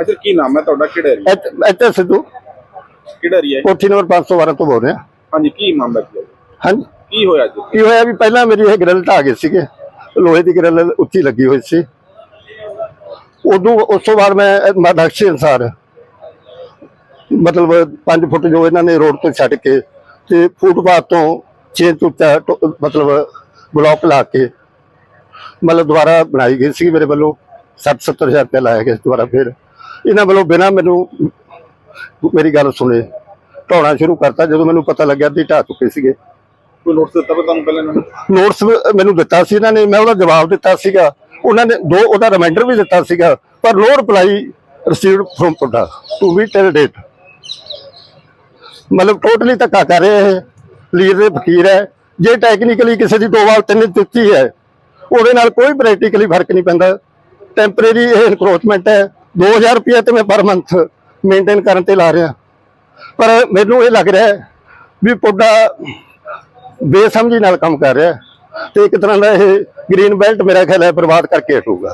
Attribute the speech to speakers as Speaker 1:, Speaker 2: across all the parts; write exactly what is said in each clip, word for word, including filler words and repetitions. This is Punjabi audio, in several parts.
Speaker 1: सर की नाम है ਤੁਹਾਡਾ ਕਿਹੜਾ ਏਰੀਆ
Speaker 2: ਇੱਥੇ ਸਿੱਧੂ
Speaker 1: ਕਿਹੜਾ ਏਰੀਆ
Speaker 2: ਕੋਠੀ ਨੰਬਰ पाँच सौ बारह ਤੋਂ ਬੋਲ ਰਿਹਾ।
Speaker 1: ਹਾਂਜੀ ਕੀ ਮਾਮਲਾ ਕੀ ਹੈ
Speaker 2: ਹਾਂਜੀ
Speaker 1: ਕੀ ਹੋਇਆ ਜੀ
Speaker 2: ਕੀ ਹੋਇਆ ਵੀ ਪਹਿਲਾਂ ਮੇਰੀ ਇਹ ਗ੍ਰਿਲ ਢਾਹ ਗਏ ਸੀਗੇ, ਲੋਹੇ ਦੀ ਗ੍ਰਿਲ ਉੱਚੀ ਲੱਗੀ ਹੋਈ ਸੀ। ਉਦੋਂ ਉਸ ਤੋਂ ਬਾਅਦ ਮੈਂ ਨਕਸ਼ੇ ਅਨੁਸਾਰ ਮਤਲਬ ਪੰਜ ਫੁੱਟ ਜੋ ਇਹਨਾਂ ਨੇ ਰੋਡ ਤੋਂ ਛੱਡ ਕੇ ਤੇ ਫੁੱਟਪਾਥ ਤੋਂ ਛੇ ਇੰਚ ਉੱਚਾ ਮਤਲਬ ਬਲੌਕ ਲਾ ਕੇ ਮਤਲਬ ਦੁਬਾਰਾ ਬਣਾਈ ਗਈ ਸੀ। ਮੇਰੇ ਵੱਲੋਂ ਸੱਠ ਸੱਤਰ ਹਜ਼ਾਰ ਰੁਪਇਆ ਲਾਇਆ ਗਿਆ ਦੁਬਾਰਾ। ਫਿਰ ਇਹਨਾਂ ਵੱਲੋਂ ਬਿਨਾਂ ਮੈਨੂੰ ਮੇਰੀ ਗੱਲ ਸੁਣੇ ਢਾਉਣਾ ਸ਼ੁਰੂ ਕਰਤਾ। ਜਦੋਂ ਮੈਨੂੰ ਪਤਾ ਲੱਗਿਆ ਵੀ ਢਾਹ ਚੁੱਕੇ ਸੀਗੇ।
Speaker 1: ਕੋਈ ਨੋਟਿਸ ਦਿੱਤਾ ਤੁਹਾਨੂੰ ਪਹਿਲਾਂ ਇਹਨਾਂ ਨੇ?
Speaker 2: ਨੋਟਿਸ ਮੈਨੂੰ ਦਿੱਤਾ ਸੀ ਇਹਨਾਂ ਨੇ, ਮੈਂ ਉਹਦਾ ਜਵਾਬ ਦਿੱਤਾ ਸੀਗਾ। ਉਹਨਾਂ ਨੇ ਦੋ ਉਹਦਾ ਰਿਮਾਈਂਡਰ ਵੀ ਦਿੱਤਾ ਸੀਗਾ, ਪਰ no reply received from PUDA to be till date. ਮਤਲਬ ਟੋਟਲੀ ਧੱਕਾ ਕਰ ਰਹੇ ਇਹ ਲੀਰ ਦੇ ਫਕੀਰ ਹੈ। ਜੇ ਟੈਕਨੀਕਲੀ ਕਿਸੇ ਦੀ ਦੋ ਵਾਰ ਤਿੰਨ ਦਿੱਤੀ ਹੈ ਉਹਦੇ ਨਾਲ ਕੋਈ ਪ੍ਰੈਕਟੀਕਲੀ ਫਰਕ ਨਹੀਂ ਪੈਂਦਾ। ਟੈਂਪਰੇਰੀ ਇਹ ਇਨਕਰੋਚਮੈਂਟ ਹੈ। ਦੋ ਹਜ਼ਾਰ ਰੁਪਇਆ ਤੇ ਮੈਂ ਪਰ ਮੰਥ ਮੇਨਟੇਨ ਕਰਨ ਤੇ ਲਾ ਰਿਹਾ, ਪਰ ਮੈਨੂੰ ਇਹ ਲੱਗ ਰਿਹਾ ਵੀ ਪੁੱਡਾ ਬੇਸਮਝੀ ਨਾਲ ਕੰਮ ਕਰ ਰਿਹਾ ਤੇ ਇੱਕ ਤਰ੍ਹਾਂ ਦਾ ਇਹ ਗ੍ਰੀਨ ਬੈਲਟ ਮੇਰਾ ਖਿਆਲ ਹੈ ਬਰਬਾਦ ਕਰਕੇ ਹਟੂਗਾ।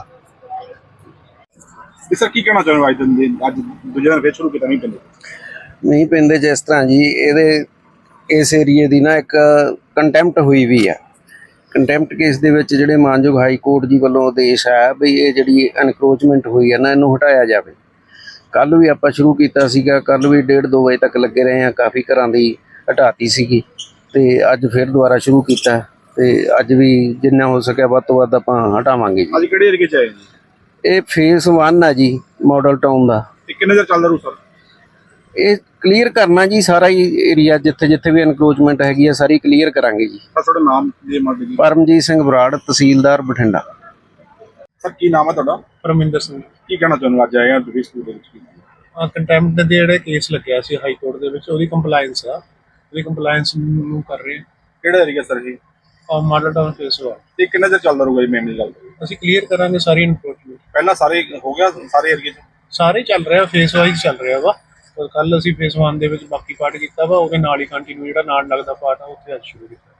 Speaker 1: ਸਰ ਕੀ ਕਹਿਣਾ ਚਾਹੁੰਦੇ ਅੱਜ ਦਿਨ ਅੱਜ ਦੂਜੇ ਦਿਨ ਫੇਰ ਸ਼ੁਰੂ ਕੀਤਾ ਨਹੀਂ ਪੈਂਦੇ
Speaker 3: ਨਹੀਂ ਪੈਂਦੇ ਜਿਸ ਤਰ੍ਹਾਂ ਜੀ ਇਹਦੇ ਇਸ ਏਰੀਏ ਦੀ ਨਾ ਇੱਕ ਕੰਟੈਂਪਟ ਹੋਈ ਵੀ ਆ। ਕੰਟੈਂਪਟ ਕੇਸ ਦੇ ਵਿੱਚ ਜਿਹੜੇ ਮਾਨਯੋਗ ਹਾਈ ਕੋਰਟ ਜੀ ਵੱਲੋਂ ਆਦੇਸ਼ ਆਇਆ ਵੀ ਇਹ ਜਿਹੜੀ ਐਨਕਰੋਚਮੈਂਟ ਹੋਈ ਹੈ ਨਾ ਇਹਨੂੰ ਹਟਾਇਆ ਜਾਵੇ। ਕੱਲ ਵੀ ਆਪਾਂ ਸ਼ੁਰੂ ਕੀਤਾ ਸੀਗਾ, ਕੱਲ ਵੀ ਡੇਢ ਦੋ ਵਜੇ ਤੱਕ ਲੱਗੇ ਰਹੇ ਆ। ਕਾਫੀ ਘਰਾਂ ਦੀ ਹਟਾਤੀ ਸੀਗੀ ਤੇ ਅੱਜ ਫਿਰ ਦੁਬਾਰਾ ਸ਼ੁਰੂ ਕੀਤਾ ਤੇ ਅੱਜ ਵੀ ਜਿੰਨਾ ਹੋ ਸਕਿਆ ਵੱਧ ਤੋਂ ਵੱਧ ਆਪਾਂ ਹਟਾਵਾਂਗੇ ਜੀ।
Speaker 1: ਅੱਜ ਕਿਹੜੇ ਏਰੀਏ 'ਚ ਆਏ ਜੀ?
Speaker 3: ਇਹ ਫੇਸ ਵਨ ਆ ਜੀ ਮਾਡਲ ਟਾਊਨ ਦਾ।
Speaker 1: ਇਹ ਕਿੰਨੇ ਦਿਨ ਚੱਲਦਾ ਰੂ ਸਰ?
Speaker 3: ਇਹ ਕਲੀਅਰ ਕਰਨਾ ਜੀ ਸਾਰਾ ਹੀ ਏਰੀਆ ਜਿੱਥੇ ਜਿੱਥੇ ਵੀ ਐਨਕਰੋਚਮੈਂਟ ਹੈਗੀ ਆ ਸਾਰੀ ਕਲੀਅਰ ਕਰਾਂਗੇ ਜੀ।
Speaker 1: ਸਰ ਤੁਹਾਡਾ ਨਾਮ ਜੀ ਮਾਡਲ ਜੀ?
Speaker 3: ਪਰਮਜੀਤ ਸਿੰਘ ਬਰਾੜ, ਤਹਿਸੀਲਦਾਰ ਬਠਿੰਡਾ।
Speaker 1: ਸਰ ਕੀ ਨਾਮ ਹੈ ਤੁਹਾਡਾ?
Speaker 4: ਪਰਮਿੰਦਰ ਸਿੰਘ।
Speaker 1: ਕੀ ਕਹਿਣਾ ਚਾਹੁੰਦੇ ਅੱਜ ਆਏ ਆ ਤੁਸੀਂ ਸਕੂਲ ਦੇ ਵਿੱਚ?
Speaker 4: ਕੰਟੈਂਪਟ ਦੇ ਜਿਹੜੇ ਕੇਸ ਲੱਗਿਆ ਸੀ ਹਾਈ ਕੋਰਟ ਦੇ ਵਿੱਚ ਉਹਦੀ ਕੰਪਲਾਈਂਸ ਆ, ਉਹਦੀ ਕੰਪਲਾਈਂਸ ਨੂੰ ਕਰ ਰਹੇ।
Speaker 1: ਕਿਹੜਾ ਏਰੀਆ ਸਰ ਜੀ?
Speaker 4: ਔਰ ਮਾਡਲ ਟਾਊਨ ਫੇਸ ਵਾ।
Speaker 1: ਤੇ ਕਿੰਨੇ ਦਿਨ ਚੱਲਦਾ ਰਹੂਗਾ ਜੀ ਮੇਨ ਗੱਲ?
Speaker 4: ਅਸੀਂ ਕਲੀਅਰ ਕਰਾਂਗੇ ਸਾਰੀ ਇਨਕਰੋਚਮੈਂਟ।
Speaker 1: ਪਹਿਲਾਂ ਸਾਰੇ ਹੋ ਗਿਆ ਸਾਰੇ ਏਰੀਏ 'ਚ?
Speaker 4: ਸਾਰੇ ਚੱਲ ਰਿਹਾ, ਫੇਸ ਵਾਈਜ਼ ਚੱਲ ਰਿਹਾ ਵਾ। ਕੱਲ ਅਸੀਂ ਫੇਸ ਵਨ ਦੇ ਵਿੱਚ ਬਾਕੀ ਪਾਰਟ ਕੀਤਾ ਵਾ, ਉਹਦੇ ਨਾਲ ਹੀ ਕੰਟੀਨਿਊ ਜਿਹੜਾ ਨਾਲ ਲੱਗਦਾ ਪਾਰਟ ਆ ਉੱਥੇ ਅੱਜ ਸ਼ੁਰੂ ਕੀਤਾ।